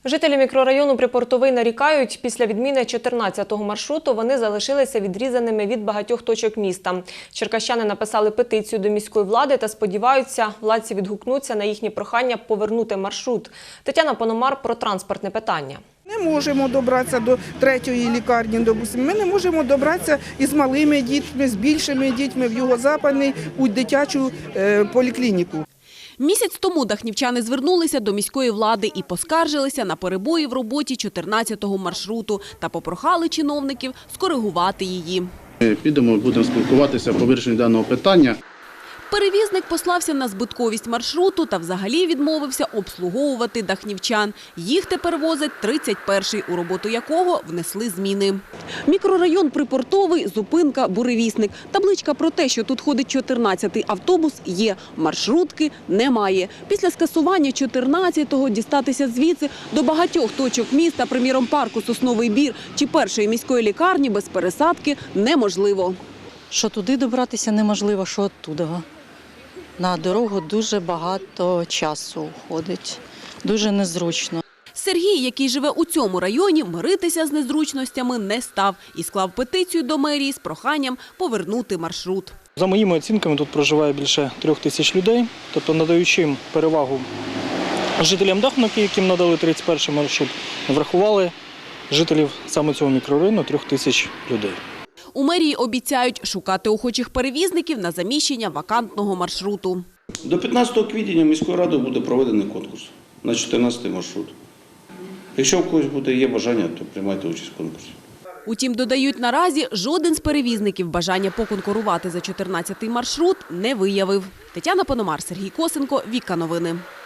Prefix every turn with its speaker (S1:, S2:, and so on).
S1: Жителі мікрорайону Припортовий нарікають, після відміни 14-го маршруту вони залишилися відрізаними від багатьох точок міста. Черкащани написали петицію до міської влади та сподіваються, владці відгукнуться на їхні прохання повернути маршрут. Тетяна Пономар про транспортне питання.
S2: Не можемо добратися до 3-ї лікарні, допустимо. Ми не можемо добратися із малими дітьми, з більшими дітьми в Юго-Западний, у дитячу поліклініку.
S3: Місяць тому дахнівчани звернулися до міської влади і поскаржилися на перебої в роботі 14-го маршруту та попрохали чиновників скоригувати її.
S4: Ми підемо, будемо спілкуватися по вирішенню даного питання.
S3: Перевізник послався на збитковість маршруту та взагалі відмовився обслуговувати дахнівчан. Їх тепер возить 31-й, у роботу якого внесли зміни. Мікрорайон Припортовий, зупинка «Буревісник». Табличка про те, що тут ходить 14-й автобус, є. Маршрутки немає. Після скасування 14-го дістатися звідси до багатьох точок міста, приміром парку «Сосновий Бір» чи першої міської лікарні без пересадки неможливо.
S5: Що туди добратися неможливо, що оттуда. На дорогу дуже багато часу уходить, дуже незручно.
S3: Сергій, який живе у цьому районі, миритися з незручностями не став і склав петицію до мерії з проханням повернути маршрут.
S6: За моїми оцінками, тут проживає більше 3000 людей, тобто надаючи перевагу жителям Дахновки, яким надали 31-й маршрут, врахували жителів саме цього мікрорайону 3000 людей.
S3: У мерії обіцяють шукати охочих перевізників на заміщення вакантного маршруту.
S7: До 15 квітня міською радою буде проведений конкурс на 14-й маршрут. Якщо у когось є бажання, то приймайте участь в конкурсі.
S3: Утім, додають, наразі жоден з перевізників бажання поконкурувати за 14-й маршрут не виявив. Тетяна Пономар, Сергій Косенко, Віка Новини.